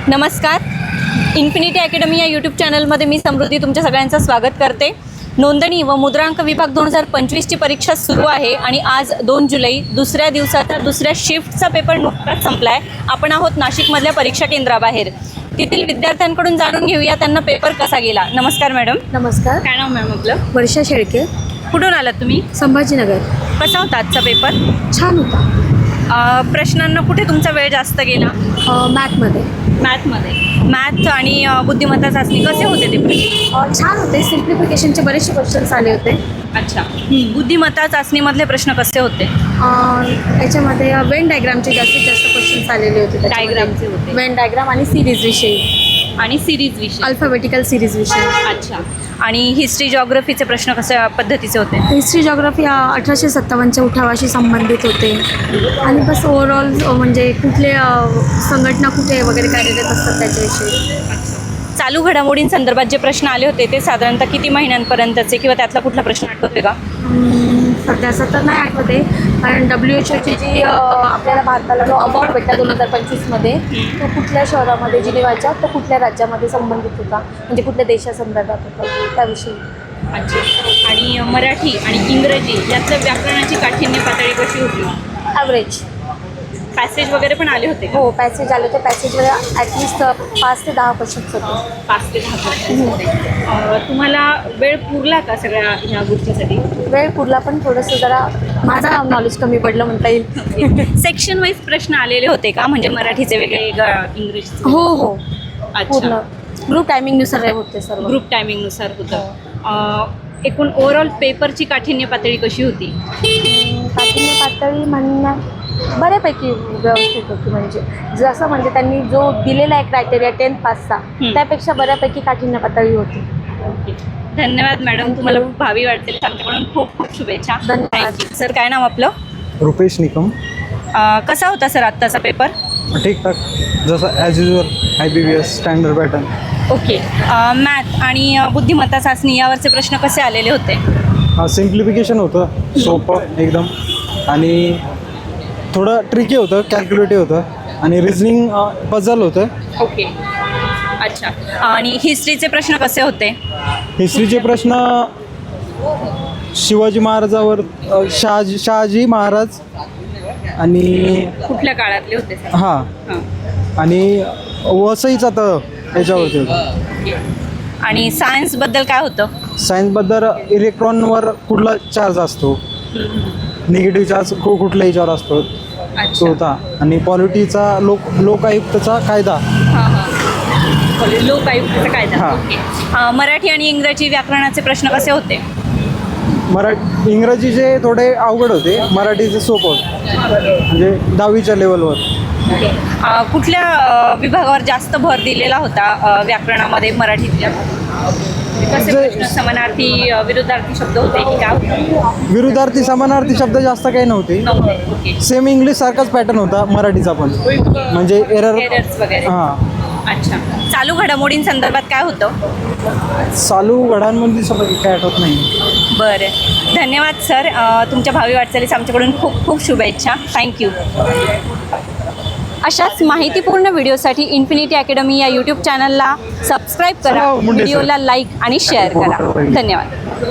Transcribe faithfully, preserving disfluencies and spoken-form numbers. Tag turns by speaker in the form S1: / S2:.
S1: नमस्कार. Infinity academy या YouTube चॅनलमध्ये मी समृद्धी तुमच्या सगळ्यांचं स्वागत करते. नोंदणी व मुद्रांक विभाग दोन हजार पंचवीसची परीक्षा सुरू आहे आणि आज दोन जुलै दुसऱ्या दिवसाचा दुसऱ्या शिफ्टचा पेपर नुकताच संपला आहे. आपण आहोत नाशिकमधल्या परीक्षा केंद्राबाहेर. तेथील विद्यार्थ्यांकडून जाणून घेऊया त्यांना पेपर कसा गेला. नमस्कार मॅडम.
S2: नमस्कार.
S1: काय नाव मॅम आपलं?
S2: वर्षा शेळके.
S1: कुठून आलात तुम्ही?
S2: संभाजीनगर.
S1: कसा होता आजचा पेपर?
S2: छान होता.
S1: प्रश्नांना कुठे तुमचा वेळ जास्त गेला?
S2: मॅथमध्ये.
S1: मॅथमध्ये. मॅथ आणि बुद्धिमत्ता चाचणी कसे होते ते प्रश्न?
S2: छान होते. सिम्प्लिफिकेशनचे बरेचसे क्वेश्चन्स आले होते.
S1: अच्छा. बुद्धिमत्ता चाचणीमधले प्रश्न कसे होते?
S2: याच्यामध्ये वेन डायग्रामचे जास्तीत जास्त क्वेश्चन्स आलेले होते.
S1: डायग्रामचे होते.
S2: वेन डायग्राम आणि सिरीज विषयी
S1: आणि सिरीज विषय,
S2: अल्फाबेटिकल सिरीज विषयी.
S1: अच्छा. आणि हिस्ट्री जॉग्रफीचे प्रश्न कशा पद्धतीचे होते?
S2: हिस्ट्री जॉग्रफी अठराशे सत्तावन्नच्या उठावाशी संबंधित होते आणि बस ओव्हरऑल म्हणजे कुठले संघटना कुठे वगैरे कार्यरत असतात त्याच्याविषयी.
S1: चालू घडामोडींसंदर्भात जे प्रश्न आले होते ते साधारणतः किती महिन्यांपर्यंतचे किंवा त्यातला कुठला प्रश्न आठवतोय का?
S2: सध्या सध्या नाही आठवते, कारण डब्ल्यू एच ओची जी आपल्याला भारताला जो अवॉर्ड भेटला दोन हजार पंचवीसमध्ये तो कुठल्या शहरामध्ये जिनेवाच्या तो कुठल्या राज्यामध्ये संबंधित होता, म्हणजे कुठल्या देशासंदर्भात होता त्याविषयी.
S1: अच्छा. आणि मराठी आणि इंग्रजी यातलं व्याकरणाची काठिण्य पातळी कशी होती?
S2: ॲव्हरेज.
S1: पॅसेज वगैरे पण आले होते?
S2: हो, पॅसेज आले होते. पॅसेजमध्ये ॲटलिस्ट पाच ते दहा क्वेश्चन्स होते.
S1: पाच ते दहा क्वेश्चन्स होते. तुम्हाला वेळ पुरला का सगळ्या ह्या गोष्टीसाठी?
S2: वेळ पुरला, पण थोडंसं जरा माझा नॉलेज कमी पडलं म्हणता येईल.
S1: सेक्शन वाईज प्रश्न आलेले होते का, म्हणजे मराठीचे वेगळे, इंग्रजीचे?
S2: हो हो,
S1: अच्छा.
S2: ग्रुप टायमिंगनुसार होते सर्व.
S1: ग्रुप टायमिंगनुसार होतं. एकूण ओव्हरऑल पेपरची काठिण्य पातळी कशी होती?
S2: काठिण्य पातळी म्हणण्या बऱ्यापैकी व्यवस्थित होती. म्हणजे जसं म्हणजे त्यांनी जो दिलेला आहे क्रायटेरिया टेन्थ पासचा त्यापेक्षा बऱ्यापैकी काठिण्य पातळी होती.
S1: धन्यवाद मॅडम. तुम्हाला खूप भावी वाटतील. त्यांच्याकडून खूप खूप शुभेच्छा.
S2: धन्यवाद.
S1: सर, काय नाव आपलं?
S3: रुपेश निकम.
S1: कसा होता सर आत्ताचा पेपर?
S3: ठीकठाक, जसं as usual I B B S standard pattern.
S1: Okay. Math आणि बुद्धिमत्ता चाचणी यावरचे प्रश्न कसे आलेले होते?
S3: हां, सिम्प्लिफिकेशन होतं सोपं एकदम, आणि थोडं ट्रिकी होतं, कॅल्क्युलेटिव्ह होतं, आणि रिझनिंग पझल होतं.
S1: ओके. अच्छा. आणि हिस्ट्रीचे प्रश्न कसे होते?
S3: हिस्ट्रीचे प्रश्न शिवाजी महाराजावर, शहाजी शहाजी महाराज आणि
S1: कुठल्या काळातले होते?
S3: हां, आणि वसईचा तर याच्यावरती होतं.
S1: ओके. आणि सायन्सबद्दल काय होतं?
S3: सायन्सबद्दल इलेक्ट्रॉनवर कुठला चार्ज असतो, निगेटिव्ह चार्ज कु कुठल्या याच्यावर असतो तो होता, आणि पॉलिटीचा लोक लोकायुक्तचा कायदा.
S1: हां हां, लोकायुक्तचा कायदा.
S3: हां.
S1: ओके. मराठी आणि इंग्रजी व्याकरणाचे प्रश्न कसे होते?
S3: मराठी इंग्रजीचे थोडे अवघड होते, मराठीचे सोपं होते, म्हणजे दहावीच्या लेवलवर.
S1: कुठल्या विभागावर जास्त भर दिलेला होता व्याकरणामध्ये मराठीतल्या? कसे प्रश्न? समानार्थी, विरुद्धार्थी शब्द होते की काय?
S3: विरुद्धार्थी समानार्थी शब्द जास्त काही नव्हते.
S1: ओके.
S3: सेम इंग्लिश सारखाच पॅटर्न होता मराठीचा पण, म्हणजे एरर
S1: एरर्स वगैरे.
S3: हां.
S1: अच्छा. चालू घडामोडींसंदर्भात काय होतं?
S3: चालू घडामोडी समज काय आठवत नाही.
S1: बरं, धन्यवाद सर. तुमच्या भावी वाटचालीस आमच्याकडून खूप खूप शुभेच्छा. थँक्यू. अशाच माहितीपूर्ण व्हिडिओसाठी इन्फिनिटी अकॅडमी या यूट्यूब चॅनलला सबस्क्राईब करा, व्हिडिओला लाईक आणि शेअर करा. धन्यवाद.